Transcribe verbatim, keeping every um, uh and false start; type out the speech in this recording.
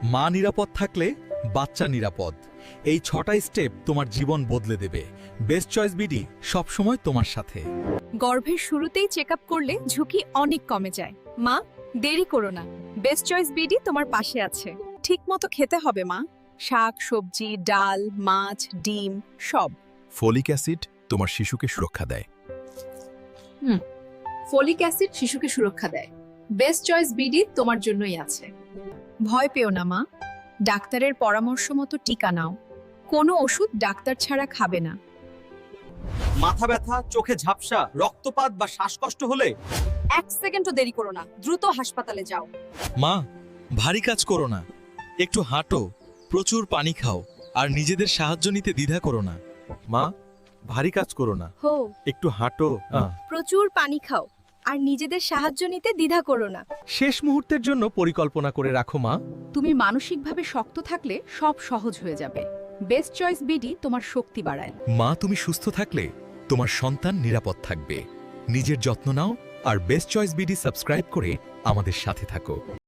মা নিরাপদ থাকলে বাচ্চা নিরাপদ। এই ছটা স্টেপ তোমার জীবন বদলে দেবে। বেস্ট চয়েস বিডি সবসময় তোমার সাথে। গর্ভের শুরুতেই চেক আপ করলে ঝুঁকি অনেক কমে যায়। মা, দেরি করো না, বেস্ট চয়েস বিডি তোমার পাশে আছে। ঠিকমতো খেতে হবে মা, শাক সবজি ডাল মাছ ডিম সব। ফলিক অ্যাসিড তোমার শিশুকে সুরক্ষা দেয়। হুম ফলিক অ্যাসিড শিশুকে সুরক্ষা দেয়। বেস্ট চয়েস বিডি তোমার জন্যই আছে। ভয় পেও না মা, ডাক্তারের পরামর্শ মতো টিকা নাও। কোনো ওষুধ ডাক্তার ছাড়া খাবে না। মাথা ব্যথা, চোখে ঝাপসা, রক্তপাত বা শ্বাসকষ্ট হলে এক সেকেন্ডও দেরি করো না, দ্রুত হাসপাতালে যাও। মা, ভারী কাজ করো না, একটু হাঁটো, প্রচুর পানি খাও, আর নিজেদের সাহায্য নিতে দ্বিধা করো না। মা, ভারী কাজ করো না, হো একটু হাঁটো। প্রচুর পানি খাও আর নিজেদের সাহায্য নিতে দ্বিধা করো না। শেষ মুহূর্তের জন্য পরিকল্পনা করে রাখো মা। তুমি মানসিকভাবে শক্ত থাকলে সব সহজ হয়ে যাবে। বেস্ট চয়েস বিডি তোমার শক্তি বাড়ায়। মা, তুমি সুস্থ থাকলে তোমার সন্তান নিরাপদ থাকবে। নিজের যত্ন নাও আর বেস্ট চয়েস বিডি সাবস্ক্রাইব করে আমাদের সাথে থাকো।